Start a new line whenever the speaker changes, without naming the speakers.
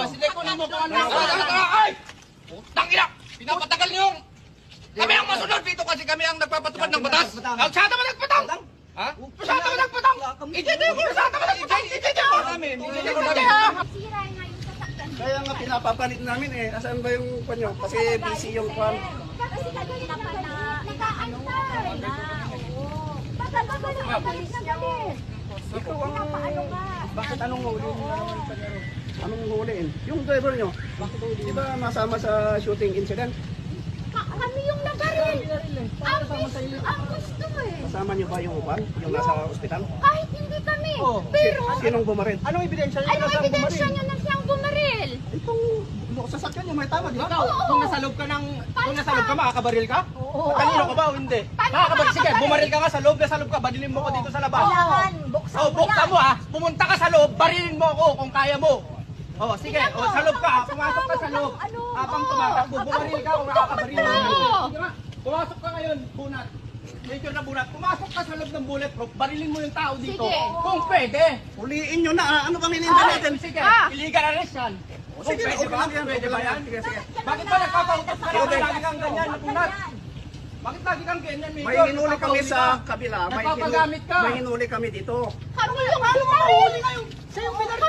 Sige, kunin mo kung ano. Ay! Putang ina! Pinapatagal niyo yung... Kami ang masunod dito kasi kami ang nagpapatupad ng batas. Masyado mo nagpatang! Ha? Masyado mo nagpatang! Ijete ko! Masyado mo nagpatang! Ijete ko namin! Ijete ko namin!
Sira nga yung sasakyan.
Kaya nga pinapapalit namin eh. Asan ba yung panyo? Kasi busy yung kwan.
Kasi kagalit na pala. Nag-aantay na. Oo. Bakit ba nag-aantay na galit?
Ikaw ang...
Paano ka?
Bakit anong huli? Anong huliin? Yung driver nyo, di ba masama sa shooting incident?
Kami yung nagaril. Ang gusto eh.
Kasama nyo ba yung upan? Yung nasa ospital?
Kahit hindi kami. Pero,
Sinong bumaril?
Anong ebidensya niyo?
ano ebidensya niya na siyang bumaril?
Itong sasakyan nyo may tama, di ba?
Ikaw, kung nasa loob ka ng... Kung nasa loob ka, makakabaril ka?
Oo.
Matalino ka ba o hindi?
Paano
Makakabaril. Sige,
makakabaril?
bumaril ka nga sa loob. Nasa loob ka, badilin mo ko dito sa labas.
Kailangan, buksan
Oh,
mo
buksan
yan.
mo ha. Pumunta ka sa loob, barilin mo ako kung kaya mo. Oh, sige. Oh, sa loob ka. Pumasok ka sa loob. Habang tumatakbo, bumaril ka kung nakakabaril mo. Sige nga. Pumasok ka ngayon, bunat. Major na bunat. Pumasok ka sa loob ng bulletproof, barilin mo yung tao dito.
Sige.
Kung pwede.
Huliin nyo na. Ano bang hininda natin?
Sige,
Ah.
illegal arrest yan. Kung
Sige,
pwede
okay
ba?
lang yan.
Pwede
Okay
ba
lang
yan?
yan. Sige, sige.
Bakit ba nagpapautos ka
Okay.
lagi kang ganyan na bunat? Bakit lagi kang ganyan, Major?
May hinuli kami sa kabila.
Nagpapagamit ka.
May hinuli kami dito.
Kami yung bumaril.
Siya yung pinaril